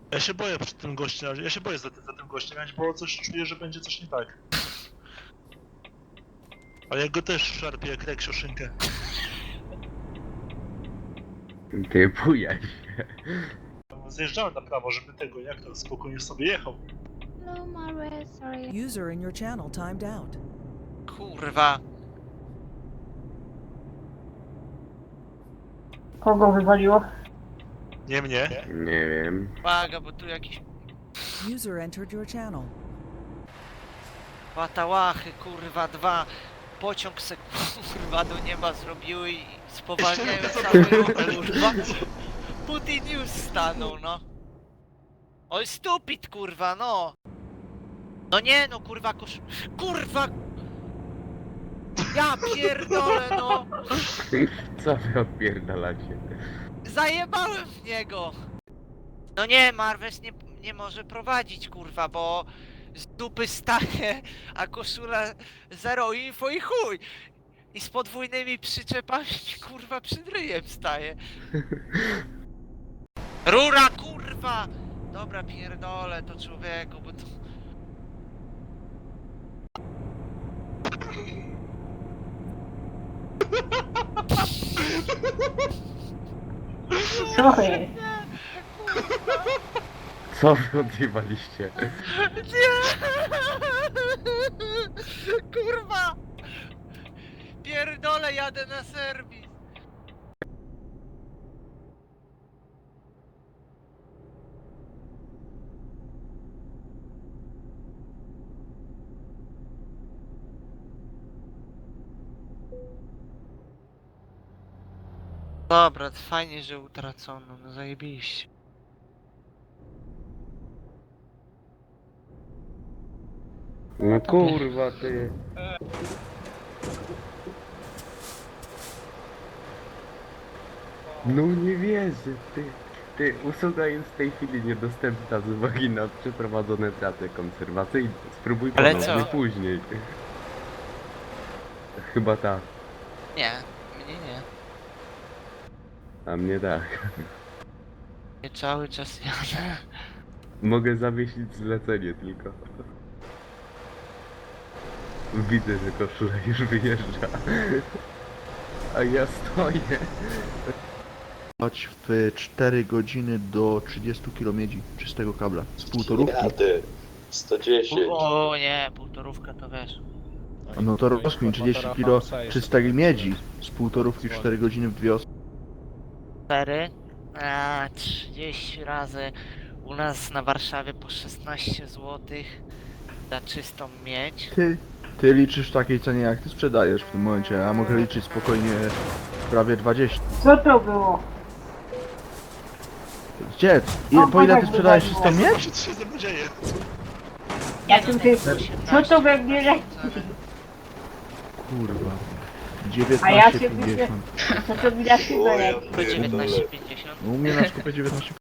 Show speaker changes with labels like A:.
A: Ja się boję przed tym gościem, ja się boję za tym gościem, bo coś czuję, że będzie coś nie tak. Ale ja go też szarpię jak reksiuszynkę.
B: Ty bujaj się.
A: Zjeżdżałem na prawo, żeby tego, jak to, spokojnie sobie jechał.
C: Hello, Margaret. Sorry.
D: User in your channel timed out.
E: Kurwa.
F: Kogo wywaliło?
A: Nie mnie.
B: Nie wiem.
E: Uwaga, bo tu jakieś
D: User entered your channel.
E: patałachy, kurwa, dwa. Pociąg se kurwa do nieba zrobiły i spowalniają cały ruch, kurwa. Putin już stanął, no. Oj, stupid, kurwa, no. No nie, no, kurwa, Kurwa! Ja pierdolę, no.
B: Co wy odpierdalacie?
E: Zajebałem w niego! No nie, Marwes nie może prowadzić, kurwa, bo z dupy staje, a koszula zero info i chuj! I z podwójnymi przyczepami, kurwa, przed ryjem staje. Rura, kurwa! Dobra, pierdolę to, człowieku, bo to...
F: Co jest?
B: Co wy odjebaliście?
E: Nie! Kurwa! Pierdolę, jadę na serwis! Dobra, to fajnie, że utracono, no zajebiście.
B: No kurwa ty. No nie wierzę, ty. Ty, usługa jest w tej chwili niedostępna z uwagi na przeprowadzone prace konserwacyjne. Spróbuj
E: Ale
B: ponownie
E: co?
B: później. Chyba tak,
E: Nie, mnie nie.
B: a mnie tak.
E: Nie cały czas jadę.
B: Mogę zawiesić zlecenie tylko. Widzę, że koszula już wyjeżdża. A ja stoję.
G: Chodź w 4 godziny do 30 km czystego kabla. Z półtorówki.
H: Jadę. 110.
E: O nie, półtorówka to wiesz.
G: No to rozkmin 30 kg czystej miedzi. Z półtorówki w 4 godziny w 2 osoby.
E: 4? A 30 razy. U nas na Warszawie po 16 zł za czystą miedź.
G: Ty liczysz w takiej cenie jak ty sprzedajesz w tym momencie, a mogę liczyć spokojnie prawie 20.
F: Co to było?
G: Gdzie? Po ile ty sprzedajesz czystą miedź?
A: Co się ze mną dzieje?
F: Ja tu się... Co to we mnie leci?
G: Kurwa.
F: A ja się
G: 19,50.
F: Co to mi na szybę leci?
E: To 19,50.
G: No u mnie na skupie 19,50.